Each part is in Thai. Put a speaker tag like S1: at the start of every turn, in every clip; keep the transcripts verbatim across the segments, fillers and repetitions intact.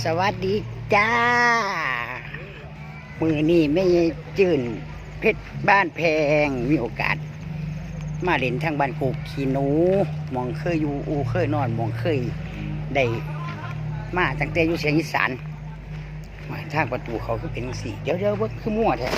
S1: สวัสดีจ้ามือนี่ไม่จื่นเพชรบ้านแพงมีโอกาสมาเล่นทางบ้านกูขี้หนูมองเคยอยู่อูเคยนอนมองเคยได้มาตั้งแต่อยู่เสียงอีสานมาทางประตูเขาคือเป็นสีเดี๋ยวเดี๋ยวว่าคือมั่วแท้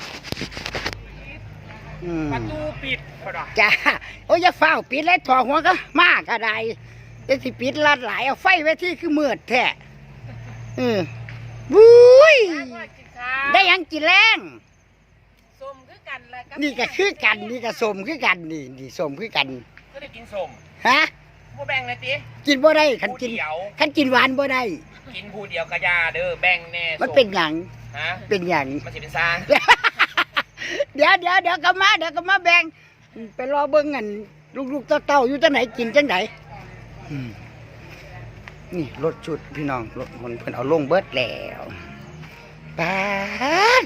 S2: ประตูปิด
S1: จ้าโอ้ยอย่าเฝ้าปิดเลยถอดหัวก็มากกระไดจะสิปิดลัดหลายเอาไฟไว้ที่คือมืดแท้เออบุ้ยได้ยังกินแรง
S2: สมคือกันแหละ
S1: นี่ก็คือกันนี่ก็สมคือกันนี่นี่สมคือกัน
S2: ก็ได้กินสม
S1: ฮะ
S2: บ่แบ่งเลยติ
S1: กินบ่ได้คันกินคันกินหวานบ่ได้
S2: กินผู้เดียวกะยาเด้อแบ่งแน่
S1: มันเป็นหยัง
S2: ฮะ
S1: เป็นหยัง
S2: มันสิเป็นซาง
S1: เดี๋ยวเดี๋ยวเดี๋ยวก็มาเดี๋ยวก็มาแบ่งไปรอเบิ่งกันลูกๆเต้าๆอยู่จังไหนกินจังไหนนี่รถชุดพี่น้องรถมันเพิ่นเอาลงเบิดแล้วป้าด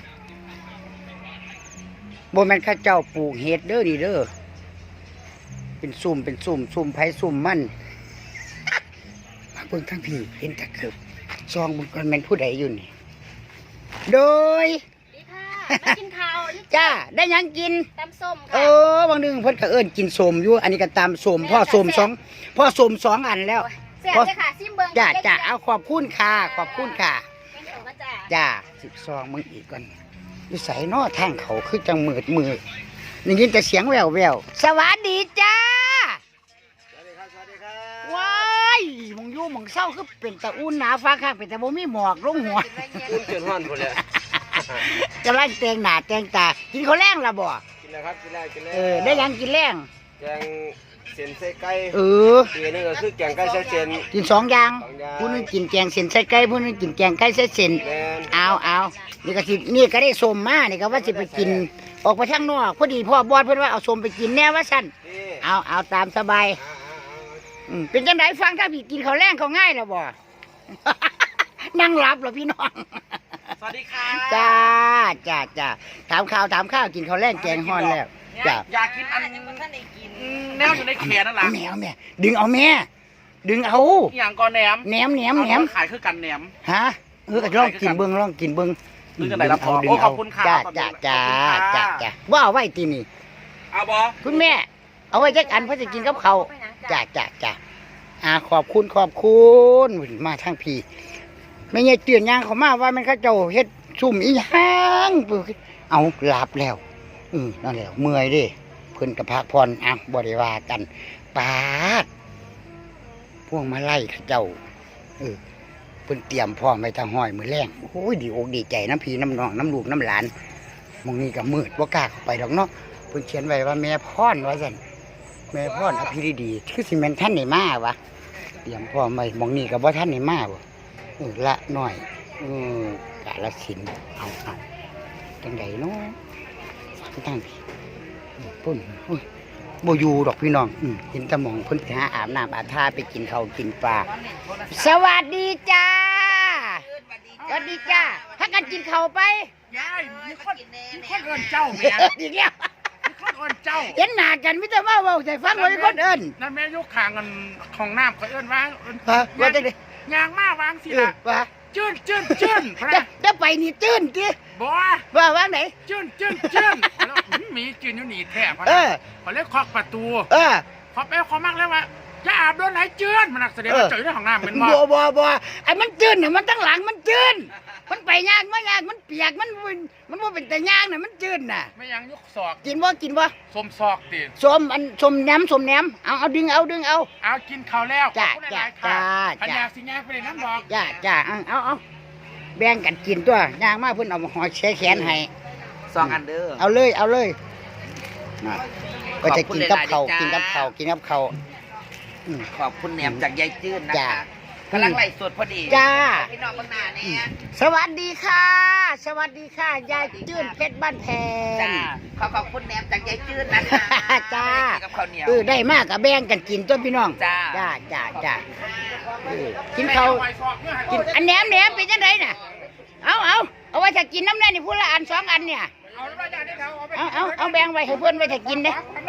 S1: บ่แม่นข้าเจ้าปลูกเห็ดเด้อนี่เด้อเป็นซุ่มเป็นซุ่มซุ่มไผซุ่มมันมาเบิ่งทั้งพี่เห็นตะเข็บซองมันมันแม่นผู้ใดอยู่นี่โดย
S3: ดีค่ะได้กินข้าว
S1: จ้าได้ยังกิน
S3: ตำส้มค่ะ
S1: เออบางนึงเพิ่นก็เอิ้นกินส้มอยู่อันนี้ก็ตามส้มพ่อส้มสองพ่อส้มสองอันแล้ว
S3: แซ่บเลยค่ะซิมเบิ้ง
S1: จ้าจ้าเอาขอบคุณค่ะขอบคุณค่ะจ้าสิบซองมึงอีกก่อนอยู่ใส่นอทางเขาคือจังมืดมืดนี่ยินแต่เสียงแววแววสวัสดีจ้า
S2: สวัสดีครับสวัสดีครับ
S1: ว้ายมองยู่มองเศร้าคือเป็นตะอุ่นหนาฟ้าข้างเป็นแต่บ่มีหมอกลงหัว
S2: อุ่นจนฮ้อนพุ่นเลย
S1: กำลังแต่งหน้าแต่งตากินข้าวแรงล่ะบ่
S2: กินแล้วครับกินแล้วกินแล้ว
S1: เออได้ยังกินแรง
S2: แกงเส้นใส่ไก่
S1: เออ
S2: อีกนึงก็คือแกงไก่ใส่เส้น
S1: กินสองอย่างผู้นึงกินแกงเส้นใส่ไก่ผู้นึงกินแกงไก่ใส่เส้นเอาเอานี่ก็สินี่ก็ได้ส้มมานี่ก็ว่าสิไปกินออกไปข้างนอกพอดีพ่อบอสเพิ่นว่าเอาส้มไปกินแน่ว่าซั่นเอาเอาตามสบายอืมเป็นจังไดฟังถ้าพี่กินข้าวแรงเขาง่ายแล้วบ่นั่งหลับเหรอพี่น้อง
S2: สวัสดีค่ะ
S1: จ้าจ้าจ้าถามข่าวถามข้าวกินข้าวแรงแกงฮ้อนแล้วจ้า
S2: อยากกินอันแนวอยู่ในแขนนั่นล่ะ
S1: แมวแม่ดึงเอาแม่ดึงเอา
S2: อย่างก่อนแหนม
S1: แหนมแหนมแหนม
S2: ขายคือกันแหนม
S1: ฮะเออก็ลองกินเบิ้งลองกินเบิ้ง
S2: ดึงกันไหนละพอโอ้ขอบคุณค่ะ
S1: จ้าจ้าจ้าจ้าจ้าว่าเอาไว้ตีนี่
S2: เอาบอ
S1: คุณแม่เอาไว้จักอันเพื่อจะกินกับเขาจ้าจ้าจ้าอ่าขอบคุณขอบคุณมาทางพี่ไม่ใช่เตือนยางเขามาว่ามันเขาเจ้าเฮ็ดซุ่มอีหยังเอาหลับแล้วอือนั่นแหละเมื่อยดิเพิ่นกับพักผ่อนอ่ะบริวากันปาดพวกมาไล่ข้าเจ้าเออเพิ่นเตรียมพร้อมไว้ทางห้อยมือแรงโอ้ยดีอกดีใจน้ำพี่น้ำน้องน้ำลูกน้ำหลานมองนี่ก็มืดบ่กล้าเข้าไปดอกเนาะเพิ่นเขียนไว้ว่าแม่พรว่าซั่นแม่พรอภิริดีคือสิแม่นท่านได้มาวะเตรียมพร้อมไว้มองนี่ก็บ่ท่านได้มาบ่เออละหน่อยเออกาลสินเอาเอาจังไดเนาะฟังตั้งพี่ปุ่นโบยูดอกพี่น้องเห็นตะมองเพิ่นไปหาอาบน้ำอาบท่าไปกินข้าวกินปลาสวัสดีจ้าสวัสดีจ้าถ้ากันกินข้าวไป
S2: ยายมีคนมีคนเอิ้นเจ้าแม่
S1: อีกแล้ว
S2: มีคนเอิ้นเจ้า
S1: เห็นหน้ากันมิแต่ว่าเว้าใจฟังว่ามีคนเอิ้น
S2: นั่นแม่ยกขางกันของน้ำเขาเอิ้นว่า
S1: ฮะว่าจังได๋
S2: ยางมาวางสิล่ะ
S1: ว่า
S2: จื้นจื้นจื้น
S1: จะไปนี่จื้นติ
S2: บ่
S1: ว่าว่างไหน
S2: จื้นจื้นจื้นแล้วมีจื้นอยู่นี่แท้พะนะเขาเรียกเคาะประตู
S1: เออ
S2: เคาะไปเคาะมากแล้วว่าอย่าอาบโดนไหลจื้นมันนักแสดงว่าเจอในห้องน้ำเป็นบ่
S1: บ่บ่บ่ไอ้มันจื้นน่ะมันตั้งหลังมันจื้นมันไปยากมันยากมันเปียกมันมันบ่เป็นแต่ยากน่ะมันจื้นน่ะ
S2: ไม่ยังยกศอก
S1: กินบ่กินบ่
S2: สมศอกติ
S1: สมอันสมแหนมสมแหนมเอาเอาดึงเอาดึงเอา
S2: เอากินข้าวแล้ว
S1: จ้าจ้าจ้า
S2: ขันยากสิยากไปเลยน้ำบอก
S1: จ้าจ้าเอาเอาแบ่งกันกินตัวยางมากเพิ่นเอาหอยแช่แขนให้
S2: สองอันเด้อ
S1: เอาเลยเอาเลยก็จะกินกับเขากินกับเขากินกับเขา
S2: ขอบคุณแหนมจากยายจื้นนะคะกำลังไล่สดพอดี
S1: จ้า
S2: พี่น้องบ้านนาเนี่ย
S1: สวัสดีค่ะสวัสดีค่ะยายจื้นเพชรบ้านแพง
S2: จ้าขอขอบคุณแหนมจากยายจื้นนะคะ
S1: จ้า
S2: กับข้าวเหนียว
S1: เออได้มากกับแบ่งกันกินตัวพี่น้อง
S2: จ้า
S1: จ้าจ้าจ้ากินเขากินอันแหนมแหนมเป็นจังไดน่ะเอาเอาเอาไว้ถ้ากินน้ำแน่นี่พูดละอันสองอันเนี่ยเอาเอาเอาแบ่งไว้ให้เพื่อนไว้ถ้ากินเด้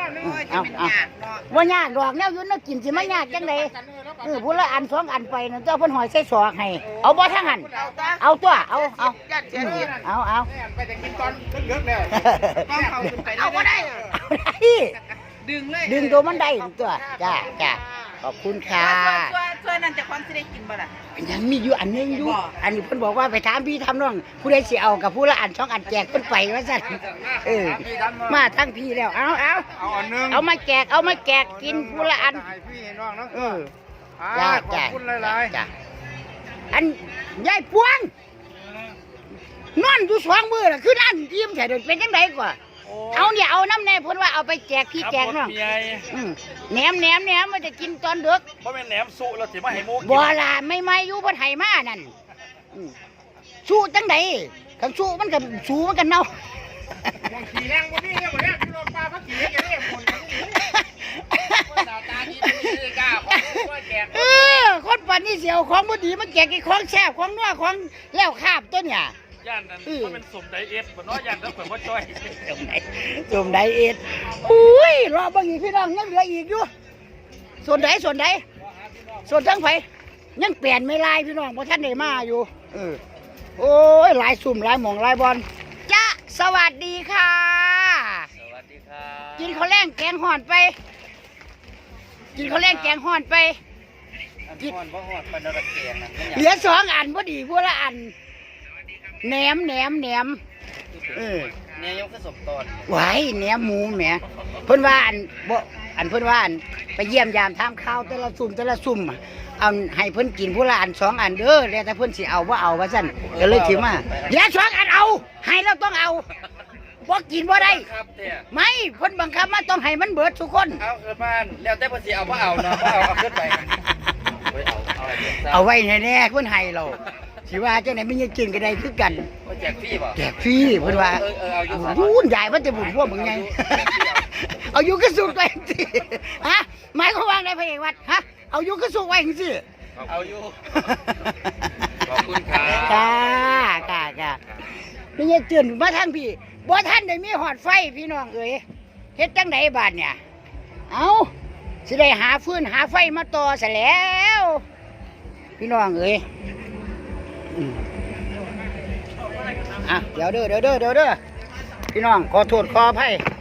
S1: เออเอาเอาว่ายากดอกแนวอยุ่นแนวกินสิไม่ยากจังไดเออพูดละอันสองอันไปนั่นเจ้าเพิ่นหอยใส่ซอกให้เอาบ่ทั้งหันเอาตัวเอาเอาอืมเอาเอา
S2: ไปแต่กินตอนเลิกแล้ว
S3: เอาบ่ได้
S1: เอาได้
S3: ดึงเลย
S1: ดึงตัวมันได้ตัวจ้าจ้าขอบคุณค่ะ
S3: ช่วยช่วยนั่นจะความสิได้กินบ่ล่ะ
S1: ยังมีอยู่อันหนึงอยู่อันนี้เพิ่นบอกว่าไปถามพี่ทำน้องผู้ใดสิเอากับผู้ละอันสองอันแจกเพิ่นไปว่าซั่นเออมาทั้งพี่แล้วเอาเอา
S2: เอาอันนึง
S1: เอามาแจกเอามาแจกกินผู้ละอัน
S2: ให้พี่น้องเนาะ
S1: เออ
S2: จ้า
S1: จ้า
S2: ขอบ
S1: จ้า
S2: คุณหลาย
S1: จ้าอันยายพวงนอนอยู่สองมือน่ะคือนั่นยิ้มแท้เดินเป็นจังไดกว่าเอาเนี่ยเอาน้ำแน่เพิ่นว่าเอาไปแจกพี่แจกน้องอืมแหนมแหนมแหนมมันจะกินตอนดึก
S4: เพราะแม่นแหนมสุเราสิมาให้หมูกิน
S1: บ่ล่ะไม่ไม่อยู่เพิ่นให้มานั่นอืมสู้จังไดคันสู้มันก็สู้มันก็เน่า
S2: ๆมองขี่แรงบ่มีเนี่ยบ่เนี่ยพี่น้องปลาพักขี่แกเนี่ยคนหน้าตาดีดีกล้าของว่าแจก
S1: เออคนปันนี่เสียวของบ่ดีมันแจกไอ้ของแซ่บของนัวของแล้วคาบตัวเนี่ย
S4: ย่านนั้นเพราะเป็นสมไดเอฟบ่เนาะย่านนั้นเพิ่นบ่จ้อย
S1: จมไดจมไดเอ็ดอุ้ยรอเบิ่งอีกพี่น้องยังเหลืออีกอยู่ส่วนใดส่วนใดส่วนทั้งไผยังเปลี่ยนไม่ลายพี่น้องเพราะท่านได้มาอยู่เออโอ้ยหลายสุ่มหลายหม่องหลายบอลจ้าสวัสดีค่ะ
S4: สวัสดีครับ
S1: กินข้าวแรงแกงห่อนไป กินข้าวแรงแกงห่อนไป
S4: อันฮ้อนบ่ฮ้อนปานระเกียงนั่น
S1: เหลือสองอันพอดีพวกละอันแหนมแหนมแหนมเออ
S4: เนี่ยยังคือสมตอน
S1: ไหวแหนมหมูแหมเพิ่นว่าอันบ่อันเพิ่นว่าอันไปเยี่ยมยามทามข้าวแต่ละซุ่มแต่ละซุ่มอะเอาให้เพิ่นกินผู้ละอันสองอันเด้อแล้วแต่เพิ่นสิเอาบ่เอาว่าซั่นก็เลยถือมาเหลือสองอันเอา ให้แล้วต้องเอาบ่กินบ่ได้
S4: ครับเนี่ย
S1: ไม่เพิ่นบังคับมาต้องให้มันเบิดทุกคน
S4: เอาขึ้นบ้านแล้วแต่เพิ่นสิเอาบ่เอาเนาะบ่เอาเอาขึ้นไปเฮ้ยเอาเอาให้เพิ่นซะ
S1: เอาไว้แน่ๆเพิ่นให้เราสิว่าจังได๋มันยังกินก็ได้คือกัน
S4: บ่แจกฟรีบ่
S1: แจกฟรีเพิ่นว่า
S4: เออเออเอาอยู่
S1: ยุ่นใหญ่มันจะบุญพวกมึงไง เอาอยู่กระสุนไว้สิฮะหมายความว่าไงพระเอกวัดฮะเอาอยู่กระสุนไว้สิ
S4: เอาอยู่ขอบคุณครับ
S1: จ้าจ้าจ้านี่ยังตื่นมาทางพี่บ่ท่านได้มีหอดไฟพี่น้องเอ๋ยเฮ็ดจังไดบาดเนี่ยเอาสิได้หาฟืนหาไฟมาต่อซะแล้ว พี่น้องเอ๋ยอืมอ่ะเดี๋ยวเด้อเดี๋ยวเด้อเดี๋ยวเด้อพี่น้องขอโทษขออภัย